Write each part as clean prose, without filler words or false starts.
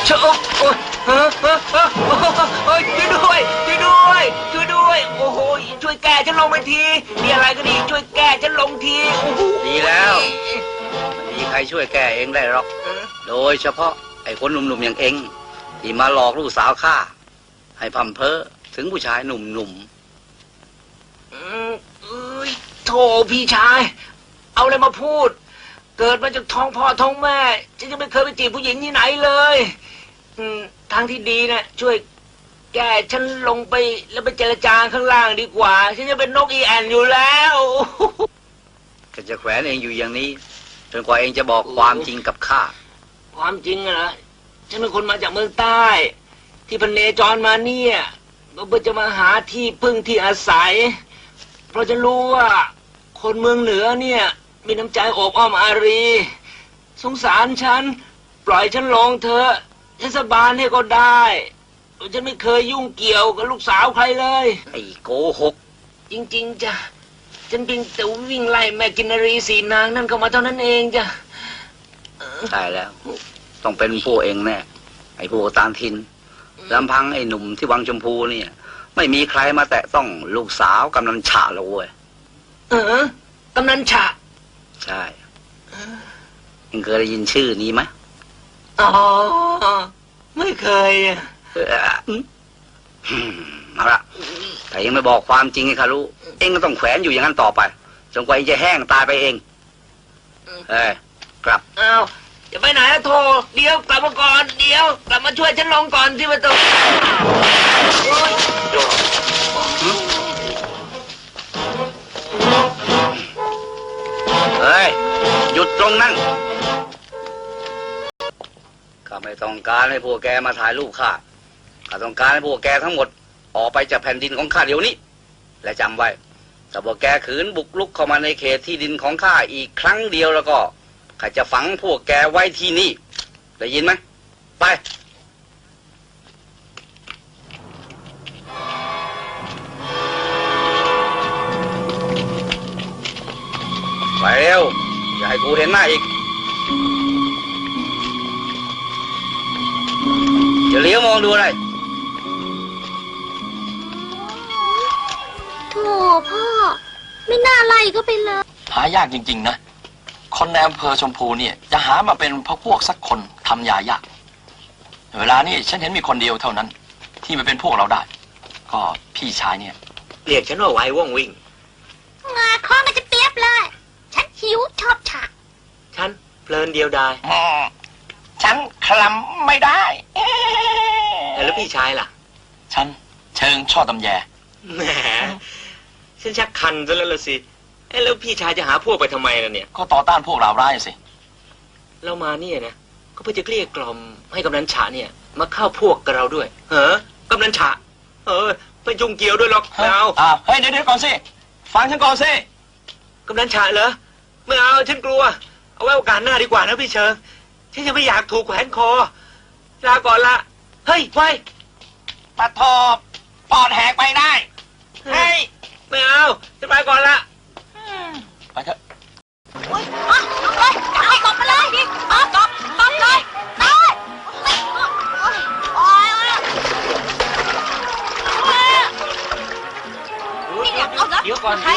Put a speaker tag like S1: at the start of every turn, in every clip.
S1: เชอะโอ้ยช่วยด้วยช่วยด้วยช่วยด้วยโอ้โหช่วยแกฉันลงไปทีมีอะไรก็ดีช่วยแกฉันลงทีโอ้โห
S2: ดีแล้วไม่มีใครช่วยแก้เองได้หรอกโดยเฉพาะไอ้คนหนุ่มๆอย่างเองที่มาหลอกลูกสาวข้าให้พัมเพ้อถึงผู้ชายหนุ่ม
S1: โธ่พี่ชายเอาอะไรมาพูดเกิดมาจากท้องพ่อท้องแม่ฉันยังไม่เคยไปจีบผู้หญิงที่ไหนเลยทางที่ดีนะช่วยแกฉันลงไปแล้วไปเจรจาข้างล่างดีกว่าฉันจะเป็นนกอีแอนอยู่แล้ว
S2: ก็จะแขวนเองอยู่อย่างนี้จนกว่าเองจะบอกความจริงกับข้า
S1: ความจริงนะฉันเป็นคนมาจากเมืองใต้ที่พเนจรมาเนี่ยเพื่อจะมาหาที่พึ่งที่อาศัยเพราะฉันรู้ว่าคนเมืองเหนือเนี่ยมีน้ำใจโอบอ้อมอารีสงสารฉันปล่อยฉันลงเถอะฉันสบานให้ก็ได้ฉันไม่เคยยุ่งเกี่ยวกับลูกสาวใครเลย
S2: ไอ้โกหก
S1: จริงๆจ้ะฉันเพียงแต่วิ่งไล่แม่กินรีสีนางนั่นเข้ามาเท่านั้นเองจ้ะ
S2: ใช่แล้วต้องเป็นพวกเองแน่ไอ้พวกต่างถิ่นลำพังไอ้หนุ่มที่วังชมพูเนี่ยไม่มีใครมาแตะต้องลูกสาวกำนันฉะเลยเว้ย
S1: กำนันฉะ
S2: ใช่เองเคยได้ยินชื่อนี้ไหม
S1: อ๋อไม่เคย
S2: เอาละแต่ยังไม่บอกความจริงให้ข้ารู้เองก็ต้องแขวนอยู่อย่างนั้นต่อไปจนกว่าเองจะแห้งตายไปเองกลับ
S1: อ้าวจะไปไหนอะโทเดี๋ยวกลับมาก่อนเดี๋ยวกลับมาช่วยฉันลงก่อนที่ประตู
S2: เฮ้ยหยุดตรงนั้นข้าไม่ต้องการให้พวกแกมาถ่ายรูปข้าต้องการให้พวกแกทั้งหมดออกไปจากแผ่นดินของข้าเดี๋ยวนี้และจำไว้ถ้าพวกแกขืนบุกรุกเข้ามาในเขตที่ดินของข้าอีกครั้งเดียวแล้วก็ข้าจะฝังพวกแกไว้ที่นี่ได้ยินไหมไปเร็วอย่าให้กูเห็นหน้าอีกจะเลี้ยวมองดูอะไร
S3: โธ่พ่อไม่น่าไล่ก็ไปเลย
S4: หายากจริงๆนะคนในอำเภอชมพูเนี่ยจะหามาเป็นพวกสักคนทำยายากเวลานี้ฉันเห็นมีคนเดียวเท่านั้นที่มาเป็นพวกเราได้ก็พี่ชายเนี่ย
S1: เรียกฉันว่าไว้ว่องวิ่ง
S3: งาข้อมันจะเปียบเลยฉันหิวชอบฉาก
S1: ฉันเพลินเดียวดาย
S4: ฉันคลำไม่ได้
S1: แล้วพี่ชายล่ะ
S4: ฉันเชิงชอบตำแย
S1: แหมฉันชักคันซะแล้วล่ะสิแล้วพี่ชายจะหาพวกไปทำไมล่ะเนี่ย
S4: ก็ต่อต้านพวกเราร้ายสิ
S1: เรามาเนี่ยนะก็เพื่อจะเกลี้ยกล่อมให้กำนันฉะเนี่ยมาเข้าพวกกับเราด้วยกำนันฉะไม่ยุ่งเกี่ยวด้วยหรอกไม่เอา
S4: เฮ้ยเดี๋ยวก่อนสิฟังฉันก่อนสิ
S1: กำนันฉะเหรอไม่เอาฉันกลัวเอาไว้โอกาสหน้าดีกว่านะพี่เชิงฉันยังไม่อยากถูกแขวนคอลาก่อนละเฮ้ยไว้
S4: ปะทบปอดแหกไปได้
S1: เฮ้ยไม่เอาจะไปก่อนละ
S4: ไปเถอะ
S3: โอ๊ยลุกเลยเอาตบมาเลยดิตบเลยโอ๊ยนี่เดี๋ยวเอา
S1: เดี๋ยวก่อน
S3: ใคร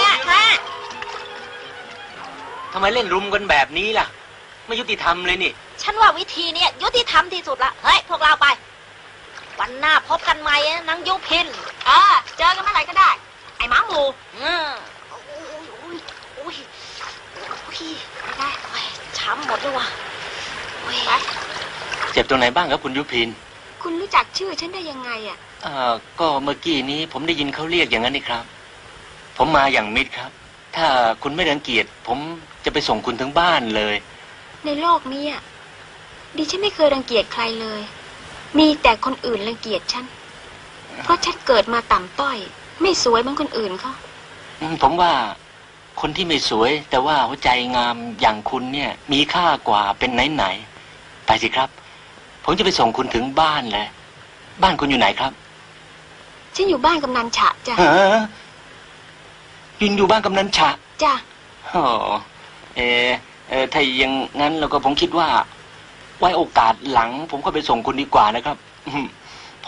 S1: ทำไมเล่นรุมกันแบบนี้ล่ะไม่ยุติธรรมเลยนี่
S3: ฉันว่าวิธีนี้ยุติธรรมที่สุดละเฮ้ยพวกเราไปวันหน้าพบกันใหม่นางยุพินเจอกันเมื่อไหร่ก็ได้ไอ้หมาหมูไม่ได้ช้ำหมดเลยว่ะ
S1: เจ็บตรงไหนบ้างครับคุณยุพิน
S3: คุณรู้จักชื่อฉันได้ยังไง
S1: ก็เมื่อกี้นี้ผมได้ยินเขาเรียกอย่างนั้นนี่ครับผมมาอย่างมิตรครับถ้าคุณไม่รังเกียจผมจะไปส่งคุณถึงบ้านเลย
S3: ในโลกนี้ดิฉันไม่เคยรังเกียจใครเลยมีแต่คนอื่นรังเกียจฉันเพราะฉันเกิดมาต่ำต้อยไม่สวยเหมือนคนอื่นเขา
S1: ผมว่าคนที่ไม่สวยแต่ว่าหัวใจงามอย่างคุณเนี่ยมีค่ากว่าเป็นไหนไปสิครับผมจะไปส่งคุณถึงบ้านเลยบ้านคุณอยู่ไหนครับ
S3: ฉันอยู่บ้านกำนันฉะจ้ะ
S1: อยู่บ้านกำนันฉะ
S3: จ้ะ
S1: ถ้าอย่างงั้นเราก็ผมคิดว่าไว้โอกาสหลัง ผมก็ไปส่งคุณดีกว่านะครับผม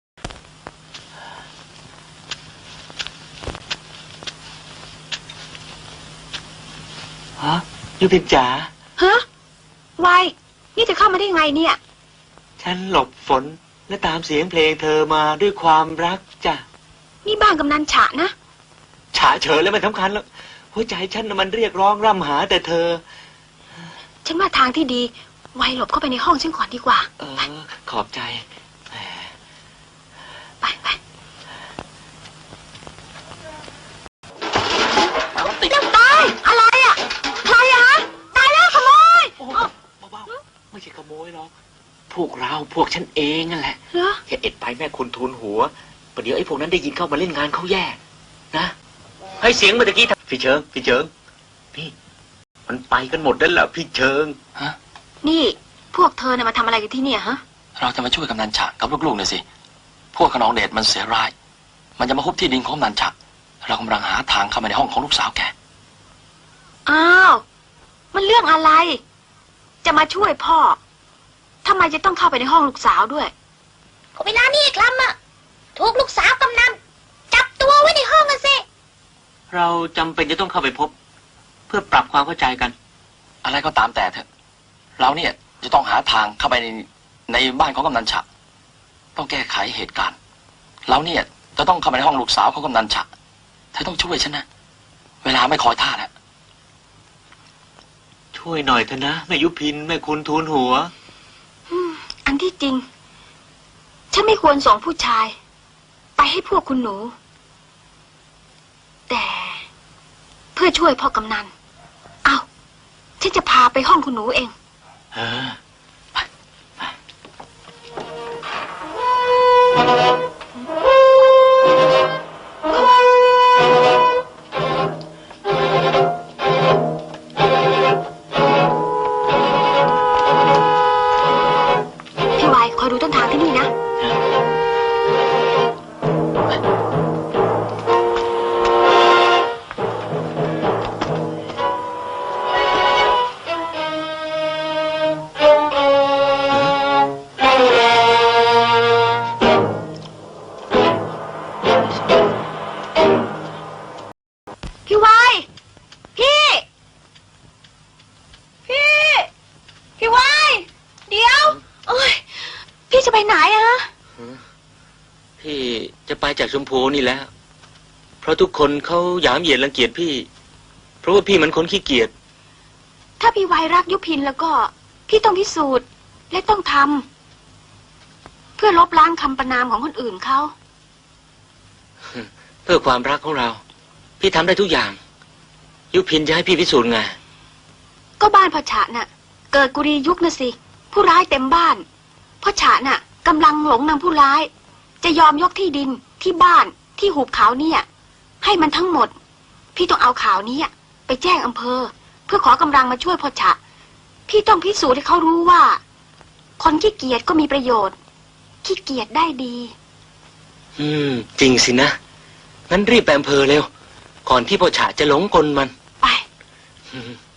S1: ฮะยูพินจ๋า
S3: ฮะวายนี่จะเข้ามาได้ไงเนี่ย
S1: ฉันหลบฝนและตามเสียงเพลงเธอมาด้วยความรักจ้ะ
S3: นี่บ้านกำนันฉะนะ
S1: ฉะเฉยแล้วมันสำคัญแล้วหัวใจฉันน่ะมันเรียกร้องร่ำหาแต่เธอ
S3: ฉันว่าทางที่ดีวายหลบเข้าไปในห้องฉันก่อนดีกว่า
S1: ขอบใจแหม
S3: ไปไป
S4: ติด
S3: เร็วตายอะไรอ่ะใครอะฮะตายแล้วขโมย
S1: โอ้เบาๆไม่ใช่ขโมยหรอกพวกฉันเองนั่นแหละ
S3: เหรอ
S1: แค่เอ็ดไปแม่คุณทูลหัวประเดี๋ยวไอ้พวกนั้นได้ยินเข้ามาเล่นงานเขาแย่นะให้เสียงเมื่อกี้พี่เชิงนี่มันไปกันหมดแล้วเหรอพี่เชิง
S4: ฮะ
S3: นี่พวกเธอน่ะมาทำอะไรกันที่เนี่ยฮะ
S4: เราจะมาช่วยกำนันฉะกับลูกๆหน่อยสิ พวกขนองเดชมันเสียร้าย มันจะมาฮุบที่ดินของกำนันฉะเรากำลังหาทางเข้ามาในห้องของลูกสาวแก
S3: อ้าวมันเรื่องอะไร จะมาช่วยพ่อทำไมจะต้องเข้าไปในห้องลูกสาวด้วยก็เวลานี่คลำอะถูกลูกสาวกำนันจับตัวไว้ในห้องกันสิ
S1: เราจำเป็นจะต้องเข้าไปพบ เพื่อปรับความเข้าใจกัน
S4: อะไรก็ตามแต่เถอะ เราเนี่ยจะต้องหาทางเข้าไปในบ้านของกำนันฉะต้องแก้ไขเหตุการณ์ เราเนี่ยจะต้องเข้าไปในห้องลูกสาวของกำนันฉะเธอต้องช่วยฉันนะ เวลาไม่คอยท่าแล้ว
S1: ช่วยหน่อยเถอะนะแม่ยุพินแม่คุณทูลหัว
S3: อันที่จริง ฉันไม่ควรส่งผู้ชาย ไปให้พวกคุณหนู แต่เพื่อช่วยพ่อกำนันเอาฉันจะพาไปห้องคุณหนูเอง พี่วายคอยดูต้นทางที่นี่นะ พี่วายพี่ พี่วายเดี๋ยวโอ้ยพี่จะไปไหนอะ
S1: พี่จะไปจากชมพูนี่แล้ว เพราะทุกคนเขาหยามเหยียดรังเกียจพี่ เพราะว่าพี่มันคนขี้เกียจ
S3: ถ้าพี่วายรักยุพินแล้วก็ พี่ต้องพิสูจน์และต้องทำเพื่อลบล้างคำประณามของคนอื่นเขา
S1: เพื่อความรักของเรา พี่ทำได้ทุกอย่าง ยุพินจะให้พี่พิสูจน์ไง
S3: ก็บ้านพ่อฉะน่ะ เกิดกุรียุคนะสิ ผู้ร้ายเต็มบ้านพ่อฉะน่ะกำลังหลงนางผู้ร้าย จะยอมยกที่ดินที่บ้านที่หุบเขาเนี่ย ให้มันทั้งหมด พี่ต้องเอาข่าวนี้ไปแจ้งอำเภอ เพื่อขอกำลังมาช่วยพ่อฉะพี่ต้องพิสูจน์ให้เขารู้ว่า คนขี้เกียจก็มีประโยชน์ขี้เกียจได้ดี
S1: จริงสินะ งั้นรีบไปอำเภอเร็ว ก่อนที่พ่อฉะจะหลงกลมัน
S3: ไป
S1: อืม